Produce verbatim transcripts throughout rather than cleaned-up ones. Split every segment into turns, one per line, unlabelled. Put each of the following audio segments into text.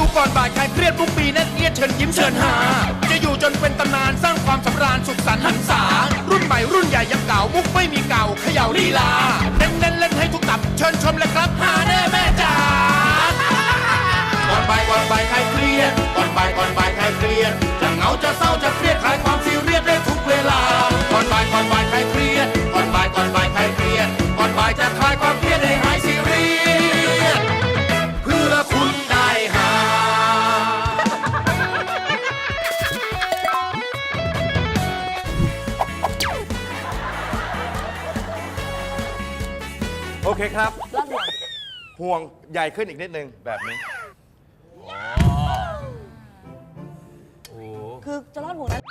ก่อนบ่ายคลายเครียดทุกปีแน่นเอียดเชิญยิ้มเชิญหาจะอยู่จนเป็นตำนานสร้างความสำราญสุขสันต์หันษารุ่นใหม่รุ่นใหญ่ยังเก่ามุกไม่มีเก่าเขย่าลีลาเน้นเน้นเล่นให้ทุกตับเชิญชมเลยครับหาแน่แม่จ๋าก่อนบ่ายก่อนบ่ายคลายเครียดก่อนบ่ายก่อนบ่ายคลายเครียดจะเหงาจะเศร้าจะเครียดคลายความซีเรียสได้ทุกเวลาก่อนบ่ายก่อนบ่ายคลายเครียดก่อนบ่ายก่อนบ่ายคลายเครียดก่อนบ่ายจะคลายความเครียดให้หายซีเรียสเพื่อคุณได้หา
โอเคครับ
รอดห่วง
ห่วงใหญ่ขึ้นอีกนิดนึงแบบนี้
คือจะรอดห่วงนั้น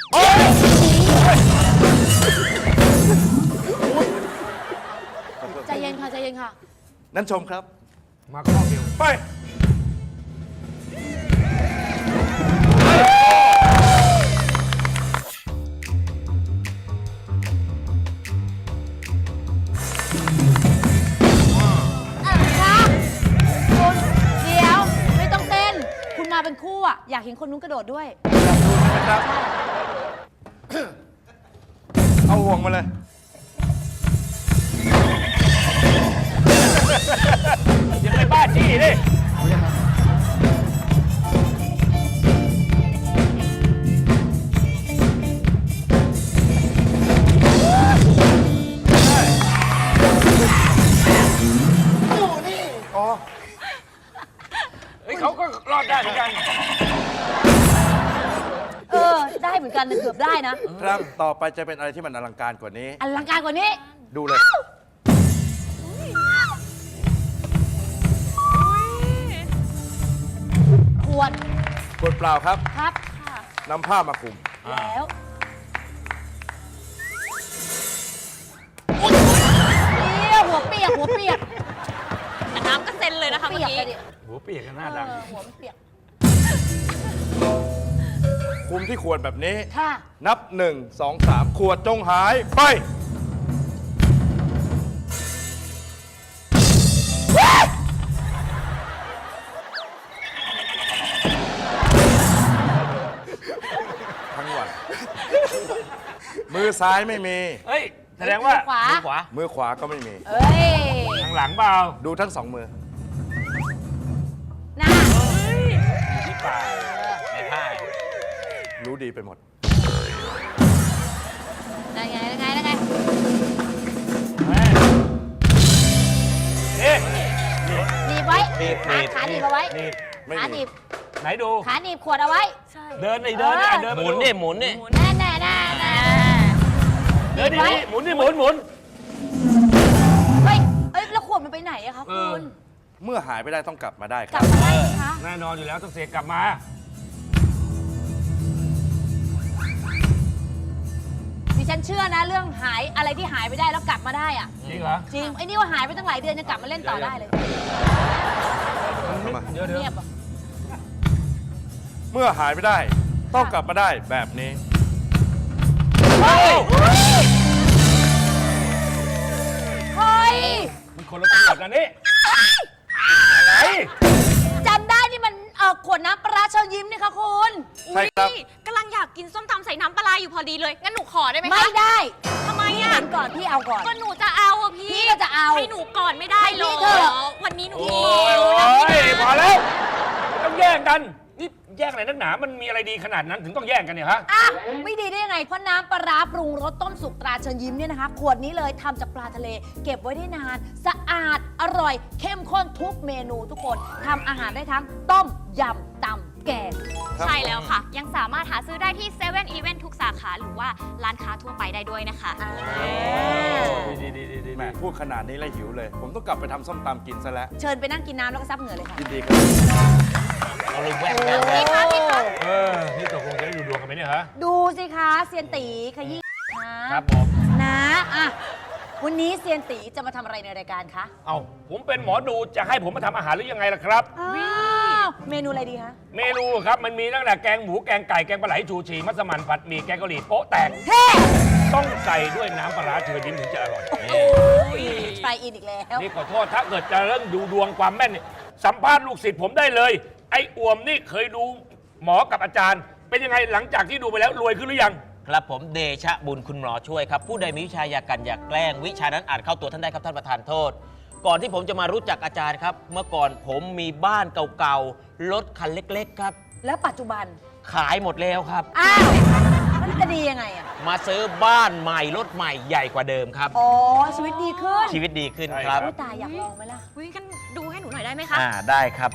ใจเย็นค่ะใจเย็นค่ะ
นั้นชมครับ
มาข้อเดียว
ไป
อ่ะค่ะคุณเดี๋ยวไม่ต้องเต้น คุณมาเป็นคู่อ่ะ อยากเห็นคนนู้นกระโดดด้วย
อยากดูใช่ไหมครับ เอาห่วงมาเลย
ยังไม่บ้าจี้ดิเฮ้ยเขาก็รอดได้เหมือนกัน
เออ ได้เหมือนกันนะเกือบได้นะ
ครับ ต่อไปจะเป็นอะไรที่มันอลังการกว่านี้
อลังการกว่านี้
ดูเลย
ขวด
ขวดเปล่าครับ
ครับ
นำผ้ามาคลุม
แล้วเดี๋ยวหัวเปียกหัวเปียก
แต่น้ำก็เซ็นเลยนะคะเมื่อ
เปียก
กี้
เลยดิ
หัวเปียกกันหน้า
เอ
ดัง
อหัวมันเปียก
คลุมที่ขวดแบบนี้
ค่ะ
นับหนึ่งสองสามขวดจงหายไป ทั้งวัน มือซ้ายไม่มี
เฮ้ย แสดงว่า
ขวา
มือขวา
มือขวาก็ไม่มี
เอ้ย
ทางหลังเปล่า
ดูทั้งสองมือ
หน้า
อยู่ที่ปากในผ้า
รู้ดีไปหมด
ได้ไงได้ไงได้ไง
เฮ้ยนี่
หนีบไว้
หนีบห
ขา
นีบ
ขาหนีบเอาไว้
หนีบ
ไม่
ขาห
มี
นีบ
ไหนดู
ขาหนีบขวดเอาไว้
ใช่
เดินดิเดินดิ
เออ
เดิน
หมุนนี่หมุนนี่
แน่แน่แน่แน่
เดินดิหมุนดิหมุนหมุน
เฮ้ยเอ้ยแล้วขวดมันไปไหนอะคะ
เอ
คุ
อ
ณ
เมื่อหายไปได้ต้องกลับมาได้ค
กลั
รั
บบ มาได้ไหมคะ
แน่นอนอยู่แล้วต้องเสกกลับมา
ดิฉันเชื่อนะเรื่องหายอะไรที่หายไปได้แล้วกลับมาได้อะ
จริงเหรอ
จริงไอ้นี่ว่าหายไปตั้งหลายเดือนยังกลับมาเล่นต่อได้เลย
เดี๋ยวเดี๋ยว
เงียบอะ
เมื่อหายไปได้ ต้องกลับมาได้แบบนี้
เฮ้ยเฮ้ย
มันคนละตัวกันนี่อะไร
จำได้นี่มันเออขวดน้ำปลาร้าเชิญยิ้มนี่คะคุณ
ใช่ครับ
อุ๊ยกำลังอยากกินส้มตำใส่น้ำปลาร้าอยู่พอดีเลย งั้นหนูขอได้ไหมคะ
ไม่ได้
ทำไม
พี่
อ่ะ
เห็นก่อนพี่เอาก่อน
ก็หนูจะเอาอะพี่
พี่ก็จะเอา
ให้หนูก่อนไม่ได้เหรอ
ให้พี่เถอะ
วันนี้หนู
โอ้
หิวย นะ
โอ้
พี่
ย
นะ
พอแล้วไม่ต้องแย่งกัน นี่แย่งอะไรนักหนา มันมีอะไรดีขนาดนั้นถึงต้องแย่งกันเนี่ยฮะ
อ่ะไม่ดีได้ยังไงเพราะน้ำปลาร้าปรุงรสต้มสุกตราเชิญยิ้มเนี่ยนะคะ ขวดนี้เลยทำจากปลาทะเล เก็บไว้ได้นาน สะอาดอร่อย เข้มข้นทุกเมนูทุกคนทำอาหารได้ทั้งต้มยำตำแกง
ใช่แล้วค่ะ ยังสามารถหาซื้อได้ที่เซเว่นอีเวนทุกสาขาหรือว่าร้านค้าทั่วไปได้ด้วยนะคะ
ดีดีดีดี
แหมพูดขนาดนี้แล้วหิวเลย ผมต้องกลับไปทำส้มตำกินซะแล้ว
เชิญไปนั่งกินน้ำแล้วก็ซับเหงื่อเลยค่ะ
ยินดีครับ
เราเลยแวะแวะ
พี่
แวะ
คะพี่คะ
เออ นี่ตกลงจะได้ดูดวงกันไหมเนี่ยฮะ
ดูสิคะเซียนตีขยี้คะ
ครับผม
นะอ่ะวันนี้เซียนตีจะมาทำอะไรในรายการคะ
เอาผมเป็นหมอดูจะให้ผมมาทำอาหารหรือยังไงล่ะครับ
อ้าวเมนูอะไรดีคะ
เมนูครับมันมีตั้งแต่แกงหมูแกงไก่แกงปลาไหลชูชีมัสมั่นผัดหมี่แกงกะหรี่โป๊ะแตก
เฮ้
ต้องใส่ด้วยน้ำปลาร้าเชิญยิ้มถึงจะอร่อย
ไปอินอีกแล้ว
นี่ขอโทษถ้าเกิดจะเรื่องดูดวงความแม่นเนี่ยสัมภาษณ์ลูกศิษย์ผมได้เลยไอ้อ่วมนี่เคยดูหมอกับอาจารย์ เป็นยังไงหลังจากที่ดูไปแล้วรวยขึ้นหรือยัง
ครับผมเดชะบุญคุณหมอช่วยครับ ผู้ใดมีวิชาอยากกันอยากแกล้งวิชานั้นอาจเข้าตัวท่านได้ครับท่านประธานโทษ ก่อนที่ผมจะมารู้จักอาจารย์ครับ เมื่อก่อนผมมีบ้านเก่าๆรถคันเล็กๆครับ
แล้วปัจจุบัน
ขายหมดแล้วครับ
อ้าวมันจะดียังไงอ่ะ
มาซื้อบ้านใหม่รถใหม่ใหญ่กว่าเดิมครับ
อ๋อ ชีวิตดีขึ้น
ชีวิตดีขึ้น
ใช่
ครับ
อุ๊ยตายอยากลองไหมล่ะ
วิกันดูให้หนูหน่อยได้ไหมคะ
อ่าได้ครับ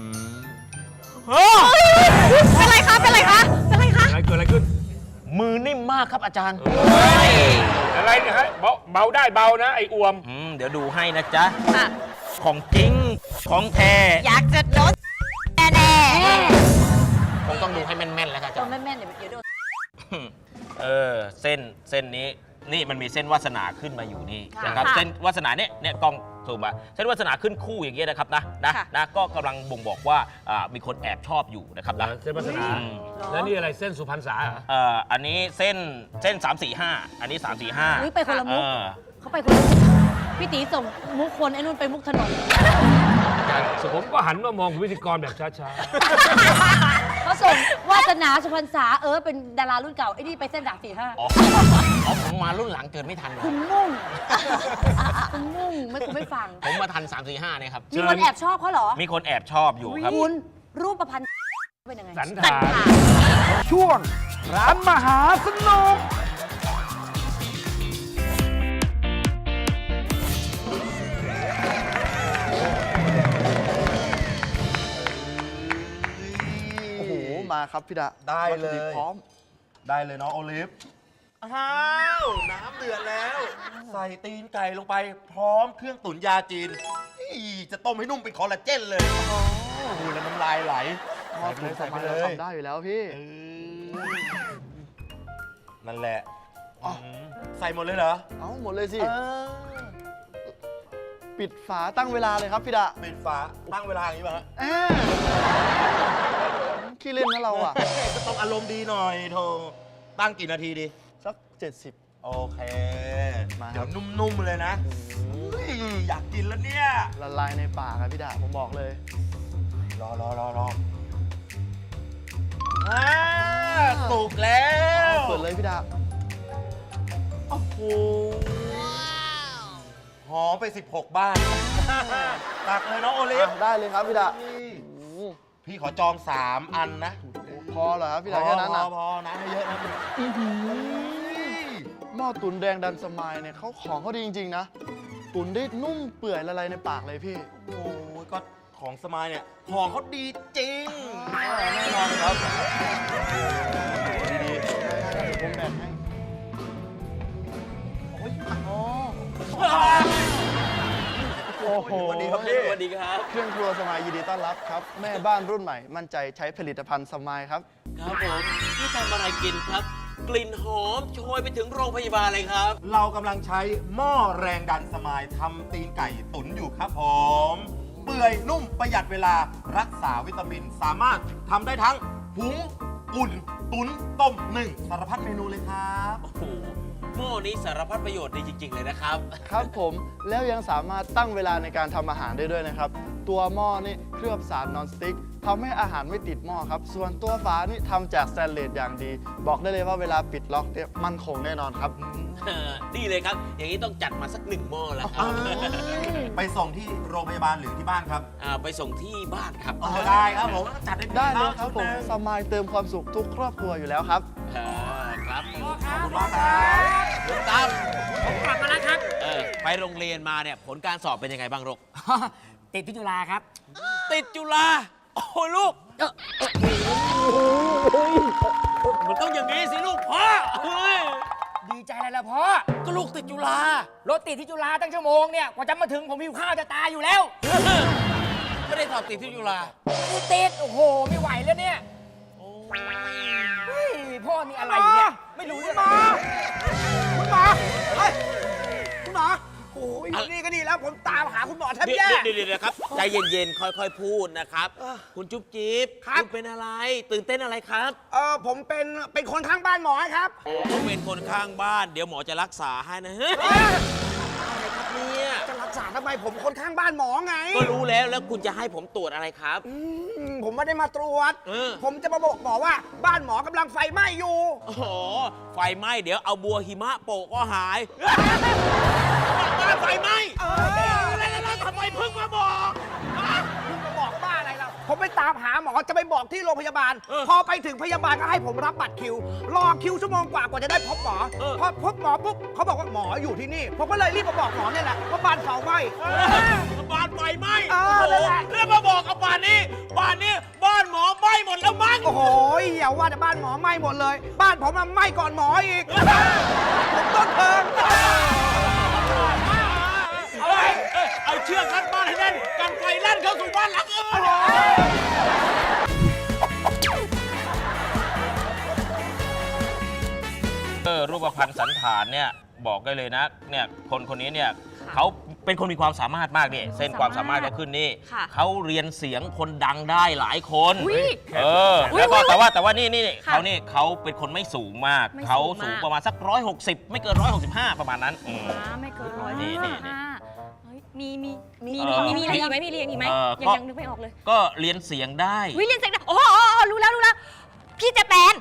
เป็นไรคะ เป็นไรคะ เป็นไรคะ
อะไรเกิดอะไรขึ้น
มือนิ่มมากครับอาจารย์
อะไรเนี่ยฮะเบาเบาได้เบานะไอ้อ่วม
อืมเดี๋ยวดูให้นะจ๊ะ
ค่ะ
ของจริงของแท้
อยากจะลดแน่
คงต้องดูให้แม่นๆแล้วครับอา
ต
จา
อ
ร
น
ย์
แม่นๆเดี๋ยวเดี๋ยวโดน
เออเส้นเส้นนี้นี่มันมีเส้นวาสนาขึ้นมาอยู่นี่
ค่ะ
นะครับ
ค่ะ
เส้นวาสนาเนี่ยเนี่ยกล้องซูมมาเส้นวาสนาขึ้นคู่อย่างเงี้ยนะครับนะนะ
ค่ะ
นะก็กำลังบ่งบอกว่าอ่ามีคนแอบชอบอยู่นะครับนะ
เส้นวาสนา
อืม
แล้วนี่อะไรเส้นสุพรรณษาเหรอ
เอ่ออันนี้เส้นเส้น สาม สี่ ห้า อันนี้ สาม สี่ ห้า
อุ๊ยไปคนละมุก
เออ
เขาไปคนละมุกพี่ตีส่งมุกคนไอ้นู่นไปมุกถนน
ผมก็หันมามองคุณพิธีกรแบบช้า
เขาส่งวาสนาสุพรรณษาเออเป็นดารารุ่นเก่าไอ้นี่ไปเส้นสามสี่ห้า
อ๋ออ๋อผมมารุ่นหลังเกิดไม่ทันเลย
คุณมุ่งคุณมุ่งไม่คุณไม่ฟัง
ผมมาทัน สาม สี่ ห้าเนี่ยครับ
มีคนแอบชอบเขาเหรอ
มีคนแอบชอบอยู่ครับ
คุณรูปประพันธ์เป็นยังไง
ๆ สัน
สัน
ฐาน
ขา
ช่วง ร้านมหาสนุก
โอ้โห มาครับพี่ดะ
ได้เลย
วัตถุดิบพร้อม
ได้เลยน้องโอลิฟ อ้าว น้ำเดือดแล้ว ใส่ตีนไก่ลงไป พร้อมเครื่องตุ๋นยาจีนอีจะต้มให้นุ่มเป็นคอลลาเจนเลยโอ้โหแล้วน้ำลายไหล
หม้อ
ใส่ไป
ตุ๋น
เลย
ส
ใส่
บาย
ไปเลย
เราทำได้อยู่แล้วพี่
เออนั่นแหละ
อ๋อ
มใส่หมดเลยเหรอ
เอาหมดเลยสิ
เออ
ปิดฝาตั้งเวลาเลยครับพี่ดะ
ปิดฝาตั้งเวลาอย่างนี้ป่ะฮะ
แอาขี้เล่นนะเราอ่ะ
ก็ต้องอารมณ์ดีหน่อยโทตั้งกี่นาทีดี
สักเจ็ดสิบ
โอเค
มาครับ
เดี๋ยวนุ่มๆเลยนะอุ๊ยอยากกินแล้วเนี่ย
ละลายในปากครับพี่ดะผมบอกเลย
รอรอรอรออ่าสุกแล้ว
เปิดเลยพี่ดะ
โอ้โหหอมไป สิบหก บ้าน ตักเลยน้องโอลิฟ
อ่ะได้เลยครับพี่ดะ
นี่
โอ้โห
พี่ขอจอง สาม อันนะ
พอเหรอครับพี่ดะแค่นั้น
พ
อ่ะ
อพอนะไม่เยอะนะ
หม้อตุ๋นแดงดันสมายเนี่ยเขาของเขาดีจริงๆนะ ตุ๋นได้นุ่มเปื่อยละลายในปากเลยพี่
โอ้ยก็ของสมายเนี่ยของเขาดีจริง
แน่นอนครับดีๆผมแบ่งให้ โอ้โห
สวัสดีครับพี่
สวัสดีครับ
เครื่องครัวสมายยินดีต้อนรับครับ แม่บ้านรุ่นใหม่ มั่นใจใช้ผลิตภัณฑ์สมายครับ
ครับผมนี่ทำอะไรกินครับ กลิ่นหอมโชยไปถึงโรงพยาบาลเลยครับ
เรากำลังใช้หม้อแรงดันสมายทำตีนไก่ตุ๋นอยู่ครับผม เปื่อยนุ่มประหยัดเวลารักษาวิตามิน สามารถทำได้ทั้งหุงอุ่น ตุ๋นต้มหนึ่งสารพัดเมนูเลยครับ
โอ้โหหม้อนี้สารพัดประโยชน์ดีจริง ๆ เลยนะครับ
ครับผมแล้วยังสามารถตั้งเวลาในการทำอาหารได้ด้วยนะครับ ตัวหม้อนี่เคลือบสารนอนสติ๊กทำให้อาหารไม่ติดหม้อครับ ส่วนตัวฝานี่ทำจากสแตนเลสอย่างดี บอกได้เลยว่าเวลาปิดล็อกเนี่ยมั่นคงแน่นอนครับ
ดีเลยครับ อย่างนี้ต้องจัดมาสักหนึ่งหม้อแล้วครับ
ไปส่งที่โรงพยาบาลหรือที่บ้านครับ
อ่าไปส่งที่บ้านครับ
เออได้ครับผมจัดให้พี่
ได้เลยครับ
ชุ
ผม
หนึ่ง
สมายเติมความสุขทุกครอบครัวอยู่แล้วครับ
อ่าครับ
ขอบคุณมากครับ
ลุงตั้ม
ผมกลับมาแล้วครับ
เออไปโรงเรียนมาเนี่ยผลการสอบเป็นยังไงบ้างลูก
ติดที่จุฬาครับ
ติดจุฬาโอ้ยลูกมันต้องอย่างนี้สิลูกพ่อเฮ้ย
ดีใจอะไรล่ะพ่อ
ก็ลูกติดจุฬาร
ถติดที่จุฬาตั้งชั่วโมงเนี่ย กว่าจะมาถึงผมหิวข้าวจะตายอยู่แล้ว
ไม่ได้สอบติดที่จุฬา
ติด โอ้โห ไม่ไหวแล้วเนี่ยเฮ้ยพ่อนี่อะไรเนี่ย ไม่รู้เรื่องอะไร
คุณหมอเฮ้ยคุณหมอโอ้ยอยู่นี่ก็ดีแล้ว ผมตามหาคุณหมอแทบ
เดี๋
แย่
ยวเดี๋ยวเดี๋ยวครับใจเย็นๆ ค่อยๆ พูดนะครับ คุณจุ๊บจิ๊บ
ครับ
ณเป็นอะไร ตื่นเต้นอะไรครับ
เออผมเป็น เป็นคนข้างบ้านหมอครับ
ผมเป็นคนข้างบ้าน เดี๋ยวหมอจะรักษาให้นะเฮ้ย
เอ้ย
อะไรครับเนี่ย
จะรักษาทำไมผมคนข้างบ้านหมอไง
ก็รู้แล้วแล้วคุณจะให้ผมตรวจอะไรครับ
อืมผมไม่ได้มาตรวจ
เออ
ผมจะมาบอกหมอว่าบ้านหมอกำลังไฟไหม้อยู่
โอ้โหไฟไหม้เดี๋ยวเอาบัวหิมะโปะก็หายบ้านไฟไหม้
เออ
แล้วแล้วทำไมเพิ่งมาบอก
คุณมาบอกบ้าอะไรเราผมไปตามหาหมอจะไปบอกที่โรงพยาบาล
เออ
พอไปถึงพยาบาลก็ให้ผมรับบัตรคิว รอคิวชั่วโมงกว่ากว่าจะได้พบหมอ
เออ
พอพบหมอปุ๊บเขาบอกว่าหมออยู่ที่นี่ ผมก็เลยรีบมาบอกหมอเนี่ยแหละว่าบ้านเผาไหม้
บ้านไฟไหม้
เออ
โอ้
นั่นแหละ
แล้วมาบอกกับบ้านนี้บ้านนี้บ้านหมอไหม้หมดแล้วมั้ง
โอ้โหอย่าว่าแต่บ้านหมอไหม้หมดเลย บ้านผมมันไหม้ก่อนหมออีก ผมต้นเพลิง
เอาไว้เอ้ยเอาเชือกรัดบ้านให้แน่นกันไฟลั่นเข้าสู่บ้านหลังอื่นเออรูปพรรณสันฐานเนี่ยบอกได้เลยนะเนี่ยคนคนนี้เนี่ยเขาเป็นคนมีความสามารถมากเนี่ยเส้นความสามารถเขาขึ้นนี่
ค่ะ
เขาเรียนเสียงคนดังได้หลายคน
อุ๊ย
เออ
อุ๊ย
แล้วก็
อุ๊ย
แต่ว่าแต่ว่านี่นี่
ค่ะ
เขานี่เขาเป็นคนไม่สูงมาก
ไม่สูง
เขาสูง
มาก
ประมาณสักร้อยหกสิบไม่เกินร้อยหกสิบห้าประมาณนั้นอืม
อ่าไม่เกินร้อย
นี่นี่นี่
ห้าเฮ้ยมีมีมี
เออ
มีมีอะไรอีกไหมมีอะไรอีกไหม
เออ
ยัง
ก็
ยังนึกไม่ออกเลย
ก็เรียนเสียงได้
วิเรียนเซ็กซ์โอ้โหโอ้โหรู้แล้วรู้แล้ว พี่เจแปน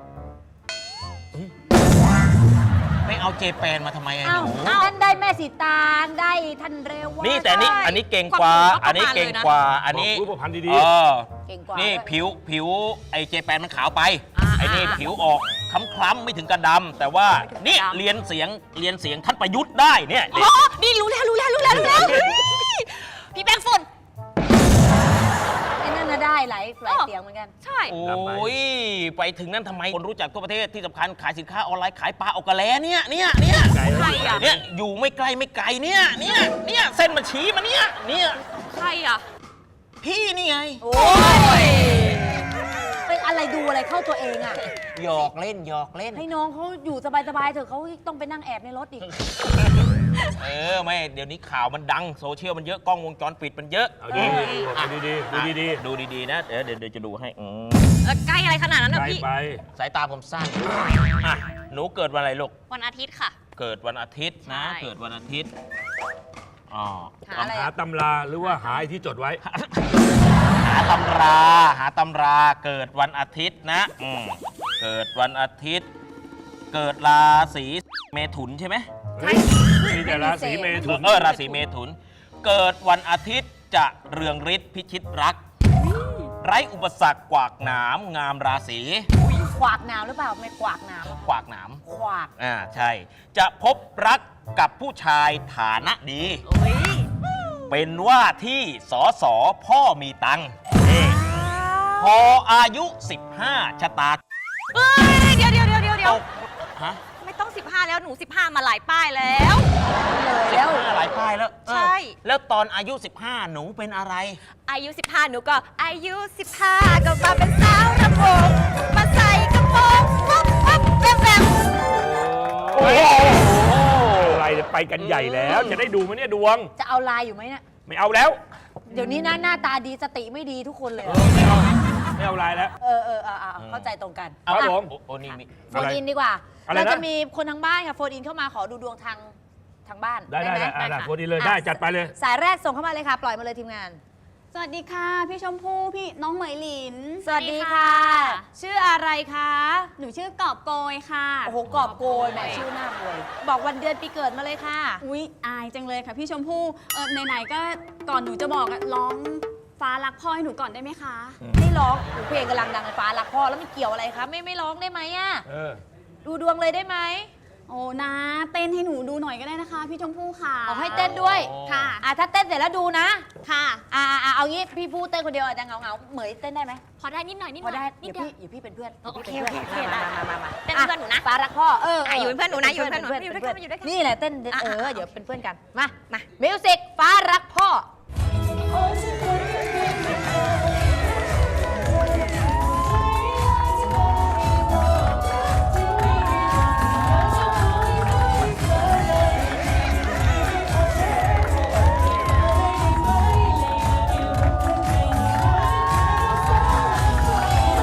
ไม่เอาเจแปนมาทำไมอะ
เอ้า
หนู
ท่านได้แม่สีตางได้ท่านเรวา
นี่แต่นี่
ใช่
อันนี้เก่งกว่า
ความรู้
อันนี้
ก็ประมาณ
เก่ง
เลยนะ
กว่า อันนี้
บอกรูปพรรณดีๆ
เออ
เก่งกว่า
นี่
ด้วย
ผิวผิวไอเจแปนมันขาวไป
อ่า
ไอนี่
อ่า
ผิวออกคล้ำๆไม่ถึงกระดำแต่ว่า
ไม่ถึงกระดำ
นี่เรียนเสียงเรียนเสียงท่านประยุทธ์ได้เนี่ย
อ๋อนี่รู้แล้วรู้แล้วรู้แล้วรู้แล้วเฮ้ยพี่แป้งฝุ่น
ไอ้นั่นน่ะได้หลายหลาย
อ๋อ
เสียงเหมือนกัน
ใช่
โอ้ยไปถึงนั้นทำไมคนรู้จักทั่วประเทศที่สำคัญขายสินค้าออนไลน์ขายปลาออกกระแลเนี่ยเนี่ยเนี่ย
ใครอ่ะ
เนี่ยอยู่ไม่ไกลไม่ไกลเนี่ยเนี่ยเนี่ยเส้นมันชี้มาเนี่ยเนี่ย
ใครอ่ะ
พี่นี่ไง
โอ้ยเป็นอะไรดูอะไรเข้าตัวเองอ่ะ
หยอกเล่นหยอกเล่น
ให้น้องเขาอยู่สบายๆเถอะเขาต้องไปนั่งแอบในรถอีก
เออไม่เดี๋ยวนี้ข่าวมันดังโซเชียลมันเยอะกล้องวงจรปิดมันเยอะ
เอาดีๆเอาดีๆดูดี
ดูดีๆนะเดี๋ยวเดี๋ยวเดี๋ยวจะดูให้อืม
เออใกล้อะไรขนาดนั้น
ๆ
นะ
ไป
พี่
ไป
สายตาผมสั้นอ่ะหนูเกิดวันอะไรลูก
วันอาทิตย์ค่ะ
เกิดวันอาทิตย์นะ
ใช่
เกิดวันอาทิตย์อ๋อ
หาอะไร
หา
อะ
ตำราหรือว่าหาไอ้ที่จดไว้
หาตำราหาตำราเกิดวันอาทิตย์นะอืมเกิดวันอาทิตย์ เกิดราศีเมถุนใช่ไหม
เฮ้ยมีแต่ราศีเมถุน
เออราศีเมถุน เกิดวันอาทิตย์จะเรืองฤทธิ์พิชิตรัก ไร้อุปสรรคกวากหนามงามราศี
ขวากน้ำหรือเปล่าไม่ขวากน้
กวากหนาม
ำขวาก
อ่าใช่ จะพบรักกับผู้ชายฐานะดี
โอ้ย
เป็นว่าที่สอสอพ่อมีตังค์นี่พออายุ สิบห้า ชะตา
เอ้ยเดี๋ยวเดี๋ยวเดี๋ยวเดี๋ยวเดี๋ยว
ฮะ
ไม่ต้อง สิบห้า แล้วหนู สิบห้า มาหลายป้ายแล้ว
เลยแล้ว
สิบห้าหลายป้ายแล้วเออ
ใช่
แล้วตอนอายุ สิบห้า หนูเป็นอะไร
อายุ สิบห้า หนูก็อายุ สิบห้า ก็มาเป็นสาวระโพงมาใส่กระโปรงปุ๊บปุ๊บแบมแบม
โอ้โหอะไรเนี่ยไปกันใหญ่แล้ว จะได้ดูไหมเนี่ยดวง
จะเอาลายอยู่ไหมเนี่ย
ไม่เอาแล้ว
เดี๋ยวนี้นะหน้าตาดีสติไม่ดีทุกคนเลยอะ
ไม่เอาไม่เอาลายแล้ว
เออเออเออเออเข้าใจตรงกัน
ครับ
อ่ะ
ผม
โอ้โอ้นี่มี
โฟนอินดีกว่า
อะไรนะ
เราจะมีคนทางบ้านค่ะโฟนอินเข้ามาขอดูดวงทางทางบ้าน
ได้ได้
ไหม
ได้อ่ะ
ได้
ได้
ค่ะ
โฟนอินเลยได้จัดไปเลย
สายแรกส่งเข้ามาเลยค่ะ ปล่อยมาเลยทีมงาน
สวัสดีค่ะ พี่ชมพู่พี่น้องเหมยหลิน
สวัสดีค่ะ ชื่ออะไรคะ
หนูชื่อกอบโกยค่ะ
โอ้โหกอบโกยแหมชื่อหน้าบวย บอกวันเดือนปีเกิดมาเลยค่ะ
อุ๊ยอายจังเลยค่ะพี่ชมพู่เออไหนๆก็ก่อนหนูจะบอกอะร้องฟ้ารักพ่อให้หนูก่อนได้ไหมคะ
ไม่ร้องโอ้เพลงกำลังดังในฟ้ารักพ่อแล้วมันเกี่ยวอะไรคะไม่ไม่ร้องได้ไหมอะ
เออ
ดูดวงเลยได้ไหม
โอ้นะเต้นให้หนูดูหน่อยก็ได้นะคะ พี่ชมพู่ค่ะ
เอาให้เต้นด้วย
ค่ะ
อ่ะถ้าเต้นเสร็จแล้วดูนะ
ค่ะ
อ่าอ่าเอางี้พี่พูดเต้นคนเดียวอาจจะเหงาเหงาๆเหมยเต้นได้ไหม
พอได้นิดหน่อยนิดห
พ
น่
อ
อย
ได้
นิ
เดี๋
ด
ยว
เดียว
พี่อยู่พี่เป็นเพื่อน
โอเค
ดี๋ยวพี่
โอเค
ป็น
โอเค
มามามามา
เป็นเพื่อนหนูนะ
ฟ้ารักพ่อเออ
อ่ะอยู่เป็นเพื่อนหนูนะอยู่เป็นเพื่อนหนู
เป็
อยู่ด้วยกันอยู่ด้วยกัน
นี่แหละเต้น
อ่ะ
เออ
อ่ะ
เดี๋ยวเป็นเพื่อนกันมามามิวสิกฟ้ารักพ่อ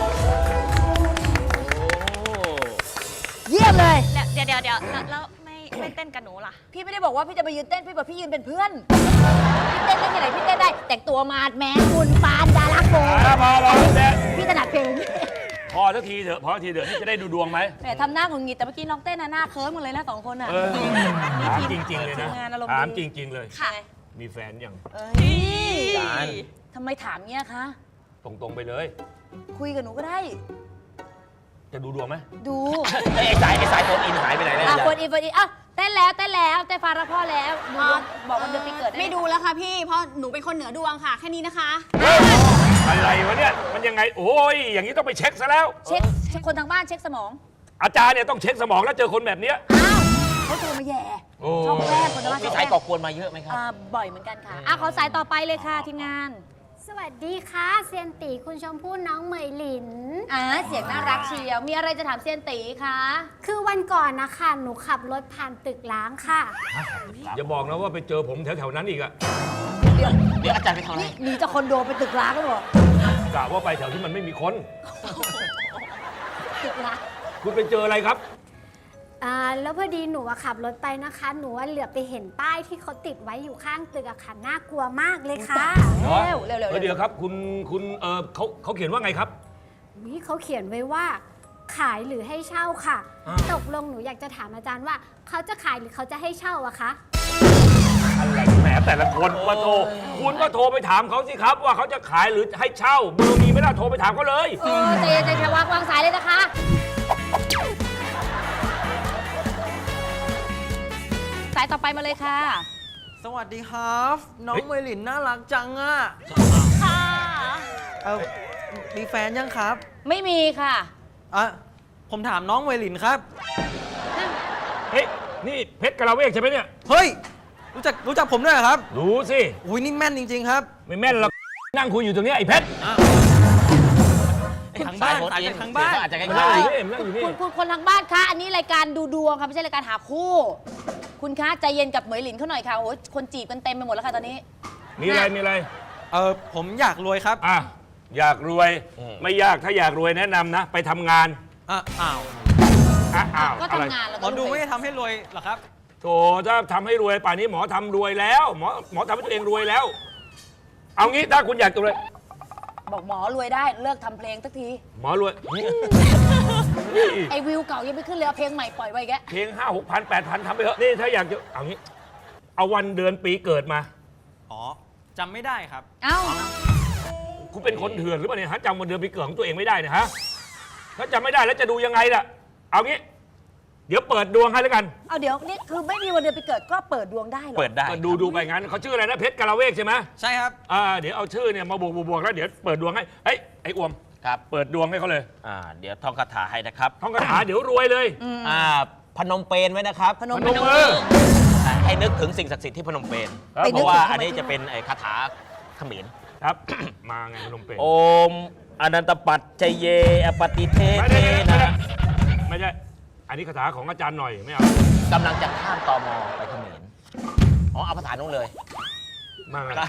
เยี่ยมเลย
เดี๋ยวเดี๋ยวเดี๋ยวแล้วแล้วไม่ไม่เต้นกับหนูล่ะ
พี่ไม่ได้บอกว่าพี่จะไปยืนเต้น พี่บอกพี่ยืนเป็นเพื่อน พี่เต้นได้ที่ไหนพี่เต้นได้ แต่งตัวมาดแมนคุณปานดาราโก
อ่ะพอพอแดน
พี่ถนัดเพลง
พอสักทีเถอะพอสักทีเถอะนี่จะได้ดูดวงไหม
แหมทำหน้าหงุดหงิดแต่เมื่อกี้น้องเต้นน่ะหน้าเคิร์มกันเลยนะสองคนอ่ะ
เออถามจริง ๆ เลยนะ
ทีมงานอารมณ์ดี
ถามจริง ๆ เลย
ค่ะ
มีแฟนยัง
เอ้ย
จาน
ทำไมถามเงี้ยคะ
ตรงๆไปเลย
คุยกับหนูก็ได้
จะดูดวงไหม
ดู
ไอ้สายไอ้สายโฟนอินหายไปไหนแล้ว
อ่ะ
อาจาร
คน
ย์
อีคนอีอ่ะเต้นแล้วเต้นแล้วเต้นฟ้ารักพ่อแล้วดูบอกวันเดือนปีเกิดได้ห
ไม่ดูแล้วค่ะพี่ เพราะหนูเป็นคนเหนือดวงค่ะ แค่นี้นะคะ
อะไรวะเนี่ยมันยังไงโอ้ยอย่างนี้ต้องไปเช็คซะแล้ว
เช็คเช็คคนทางบ้านเช็คสมอง
อาจารย์เนี่ยต้องเช็คสมองแล้วเจอคนแบบเนี้ย
อ้าวเขาโทรมาแย่
โอ้
ชอบแกล้งคนทางบ้านช
มี
อบแก
สาย
ล้ง
ก่อกวนมาเยอะไหมครับ
อ่าบ่อยเหมือนกันค่ะอ่ะขอสายต่อไปเลยค่ะทีมงาน
สวัสดีค่ะเซียนตีคุณชมพู่น้องเหมยหลิน
อ่าเสียงน่ารักเชียว มีอะไรจะถามเซียนตีคะ
คือวันก่อนนะคะหนูขับรถผ่านตึกล้างค่ะ
อย่าบอกนะว่าไปเจอผมแถวๆนั้นอีกอะ
เดี๋ยว
เดี๋ยวอาจารย์ไปทำอะไร
หนีจากคอนโดไปตึกร้างก็บอก
กะว่าไปแถวที่มันไม่มีคน
ตึกร้าง
คุณไปเจออะไรครับ
อ่าแล้วพอดีหนูอะขับรถไปนะคะ หนูว่าเหลือบไปเห็นป้ายที่เขาติดไว้อยู่ข้างตึกอะค่ะน่ากลัวมากเลยค่ะ
เร็วเร็วเร็ว
เออเดี๋ยวครับคุณคุณเออเขาเขาเขียนว่าไงครับ
วิเขาเขียนไว้ว่า ขายหรือให้เช่าค่ะ
อ่า
ตกลงหนูอยากจะถามอาจารย์ว่า เขาจะขายหรือเขาจะให้เช่าอะคะ
อะไรแหมแต่ละคนมาโทรคุณก็โทรไปถามเขาสิครับ ว่าเขาจะขายหรือให้เช่าเบอร์มีไม่ได้โทรไปถามเขาเลย
เออใจเย็นใจเย็นวางวางสายเลยนะคะ สายต่อไปมาเลยค่ะ
สวัสดีครับ น้องเมยหลินน่ารักจังอ่ะ
ค่ะ
เออมีแฟนยังครับ
ไม่มีค่ะ
อ่ะผมถามน้องเมยหลินครับ
เฮ้ยนี่เพชรกะลาเวกใช่ไหมเนี่ย
เฮ้ย รู้จักรู้จักผมด้วยเหรอครับ
รู้สิ
อุ้ยนี่แม่นจริง ๆ ครับ
ไม่แม่นหรอกนั่งคุยอยู่ตรงเนี้ยไอ้เพชร
ทางบ้าน
สายโฟน
สาย
อิน
จากทางบ้าน
เสียงก็อาจจะใก
มัน
ล้
นั่ง
ๆ
อยู่นี่มันนั่งอยู่นี่
คุณคุณคนทางบ้านคะ อันนี้รายการดูดวงค่ะไม่ใช่รายการหาคู่ คุณคะใจเย็นกับเหมยหลินเขาหน่อยค่ะโอ้ยคนจีบกันเต็มไปหมดแล้วค่ะตอนนี้
มีอะไรมีอะไร
เออผมอยากรวยครับ
อ่ะอยากรวย
อืม
ไม่ยากถ้าอยากรวยแนะนำนะ ไปทำงาน
อ่ะอ้าว
อ่ะอ้าว
ก็
อะไร
ทำงานแล้ว
หม
ก็
อดู
รวย
ไม่ได้ทำให้รวยเหรอครับ
โถถ้าทำให้รวยป่านนี้หมอทำรวยแล้วหมอหมอทำให้ตัวเองรวยแล้ว เอางี้ถ้าคุณอยากจะรวย
บอกหมอรวยได้เลิกทำเพลงสักที
หมอรวย
ไอวิวเก่ายังไม่ขึ้นเลยเอาเพลงใหม่ปล่อยไว้แก
เพลงห้าหกพันแปดพันทำไปเถอะนี่ถ้าอยากจะเอางี้ เอาวันเดือนปีเกิดมา
อ๋อจำไม่ได้ครับ
เอ้า
คุณเป็นคนเถื่อนหรือเปล่าเนี่ยฮะจำวันเดือนปีเกิดของตัวเองไม่ได้เนี่ยฮะถ้าจำไม่ได้แล้วจะดูยังไงล่ะ เอางี้ เดี๋ยวเปิดดวงให้แล้วกัน
เอาเดี๋ยวนี่คือไม่มีวันเดือนปีเกิดก็เปิดดวงได้เหรอ
เปิดได้
ก็ดูดูไปงั้นเขาชื่ออะไรนะเพชรกะลาเวกใช่ไหม
ใช่ครับ
อ่าเดี๋ยวเอาชื่อเนี่ยมาบวกบวกบวกแล้วเดี๋ยวเปิดดวงให้เอ้ยไอ้อวม
ครับ
เปิดดวงให้เขาเลย
อ่า เดี๋ยวท่องคาถาให้นะครับ
ท่องคาถาเดี๋ยวรวยเลย
อ่า พนมเปญไว้นะครับ
พนม
พนมมือ
ให้นึกถึงสิ่งศักดิ์สิทธิ์ที่พนมเปญ
ครับ
เพราะว่าอันนี้จะเป็นไอ้คาถาเขมร
ครับ มาไงพนมเปญ
โอมอนันตปัจจเยอปฏิเท
ไม่
เท
ได้ไม่ได้
นะ
ไม่ใช่อันนี้คาถาของอาจารย์หน่อยไม่เอา
กำลังจะข้ามตมไปเขมรอ๋อ เอาภาษานู้นเลย
มาไง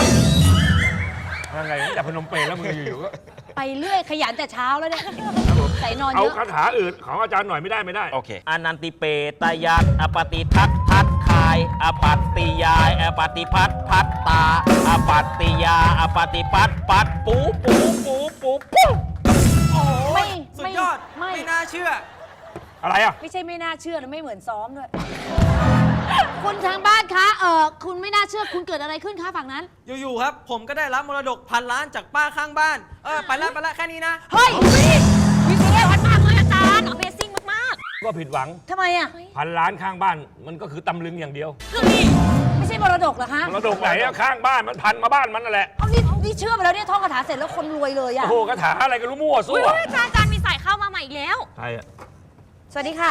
มาไงแต่พนมเปญแล้วมึงอยู่ๆก็
ไปเรื่อยขยันแต่เช้าแล้วเนี่ยใส่นอน
เอา
เยอะ
คาถาอื่นของอาจารย์หน่อยไม่ได้ไม่ได้
โอเคอนันติเปตยัตอปฏิทัตทัตคาย อปัตติยาย อปฏิพัตพัตตา อปัตติยา อปฏิปัตปัตปูปูปูปูปู
โอ้
ไม่
ยสุด
ไม่
ยอด
ไม่
ไม่น่าเชื่อ
อะไรอ่ะ
ไม่ใช่ไม่น่าเชื่อนะไม่เหมือนซ้อมด้วย คุณทางบ้านคะเออคุณไม่น่าเชื่อคุณเกิดอะไรขึ้นคะฝั่งนั้น
อยู่ๆครับ ผมก็ได้รับมรดกพันล้านจากป้าข้างบ้าน เออ ไปแล้วไปแล้วแค่นี้นะ
เฮ้ย
วิเศษวัดมากเลยอาจารย์ Amazing มาก
ก็ผิดหวัง
ทำไมอ่ะ
พันล้านข้างบ้าน มันก็คือตำลึงอย่างเดียว
ไม่ใช่มรดกเหรอคะ
มรดกไหนอะข้างบ้านมันพันมาบ้านมันนั่นแหละ
เอานี่นี่เชื่อไปแล้วเนี่ยท่องคาถาเสร็จแล้วคนรวยเลยอ่ะ
โอ้โหคาถาอะไรกันรู้มั่ว
ๆ
ซั่
อุ้
วย
อาจารย์อาจารย์มีสายเข้ามาใหม่อีกแล้ว
ใครอะ
สวัสดีค่ะ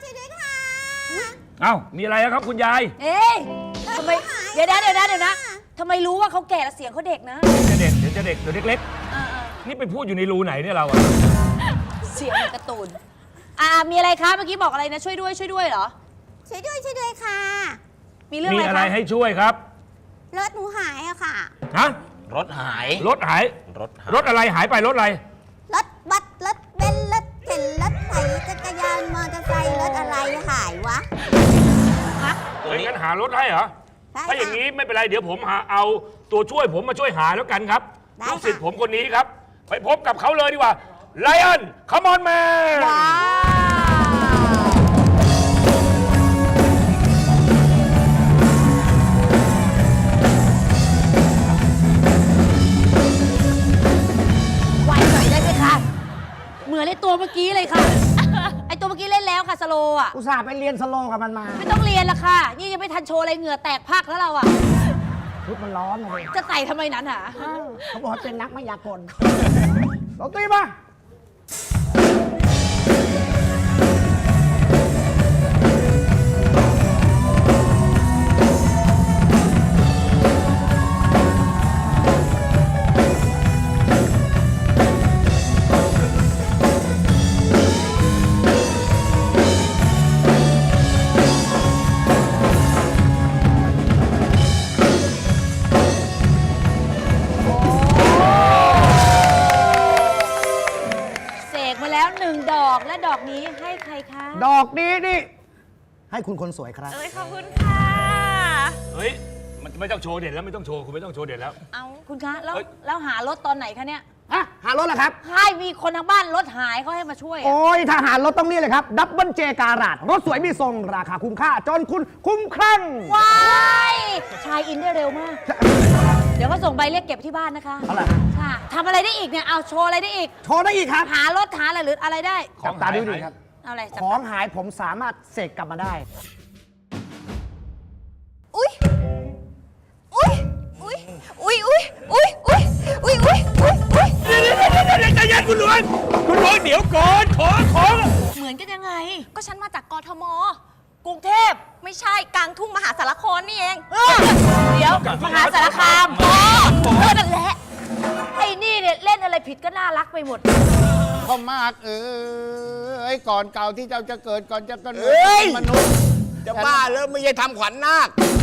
เอ้ามีอะไรอะครับคุณยาย
เอ๊ะทำไมเดี๋ยวนะเดี๋ยวนะเดี๋ยวนะทำไมรู้ว่าเขาแก่แล้วเสียงเขาเด็กนะ
จะเด็กเดี๋ยวจะเด็กเดี๋ยวเล็ก
เออ
ๆนี่ไปพูดอยู่ในรูไหนเนี่ยเราอะ
ๆเสียงเหมือนการ์ตูนอ่ามีอะไรคะเมื่อกี้บอกอะไรนะช่วยด้วยช่วยด้วยเหรอ
ช่วยด้วยช่วยด้วยค่ะ
มีเรื่อง
มี
อะไร
อะไร
คะ
ให้ช่วยครับ
รถหนูหายอะค่ะ
ฮะ
รถหาย
รถหาย
รถหาย
รถอะไรหายไปรถอะไร
รถบัสรถเบนซ์รถเข็นรถไถจักรยานมอเตอร์ไซค์รถอะไรหายวะ
นี้
งั้นหารถให้เหรอ
ได้
ถ้าอย่าง
ค่ะ
นี้ไม่เป็นไรเดี๋ยวผมหาเอาตัวช่วยผมมาช่วยหาแล้วกันครับ
ได้
ลูกศิษย์
ค่ะ
ผมคนนี้ครับ ไปพบกับเขาเลยดีกว่าไลออนคอมอนแมน
ว้าว
ไวหน่อยได้ไหมคะ เหมือนไอ้ตัวเมื่อกี้เลยค่ะ ไอ้ตัวเมื่อกี้เล่นแล้วค่ะสโลว์อ่ะ
อุตส่าห์ไปเรียนสโลว์กับมันมา
ไม่ต้องเรียนละค่ะ นี่ยังไม่ทันโชว์อะไรเหงื่อแตกพักแล้วเราอ่ะ
ชุดมันร้อนนะเลย
จะใส่ทำไมนั้นหา
เขาบอกว่าเป็นนักมายากลลองตีมา
เสกมาแล้วหนึ่งดอกและดอกนี้ให้ใครคะ
ดอกนี้นี่ ให้คุณคนสวยครับ
เอ้ยขอบคุณค่ะ
เฮ้ยมันไม่ต้องโชว์เด่นแล้วไม่ต้องโชว์คุณไม่ต้องโชว์เด่นแล้ว
เอา
คุณคะแล้ว
เอ้ย
แล้วหารถตอนไหนคะเนี่ย
ฮะ หารถเหรอครับ
ใช่มีคนทางบ้านรถหายเขาให้มาช่วยอะ
โอ้ยทหารรถต้องนี่เลยครับ ดับเบิลเจการาดรถสวยมีทรงราคาคุ้มค่า จนคุณคุ้มครั่ง
ว้ายชายอินได้เร็วมาก เดี๋ยวก็ส่งใบเรียกเก็บที่บ้านนะคะ
เอาล่ะ
ค่ะทำอะไรได้อีกเนี่ย เอาโชว์อะไรได้อีก
โชว์ได้อีกครับ
หารถหาอะไรหรืออะไรได้
จับตาดูดีครับ
เอาอะไรจับ
ของหายผมสามารถเสกกลับมาได้
อุ้ยอุ้ยอุ้ยอุ้ยอุ้ยอุ้ยอุ้ยอุ้ยอุ้ยอุ้ยอุ้ย
เดี๋ยวเดี๋ยวเดี๋ยวเดี๋ยวใจเย็นคุณหลวงคุณหลวงเดี๋ยวก่อนขอขอ
เหมือนกันยังไง
ก็ฉันมาจากกทม
กรุงเทพ
ไม่ใช่กลางทุ่งมหาสารคามนี่เอง
เออเดี๋ยวมหาสารคาม
อ๋อเออนั่นแหละ
ไอ้นี่เนี่ยเล่นอะไรผิดก็น่ารักไปหมด
พ่อมากเอ้ยก่อนเก่าที่เจ้าจะเกิดก่อนจะกำเนิด
เอ้ย
เป็นมนุษย์
จะบ้าแล้วไม่ใช่ทำขวัญนาค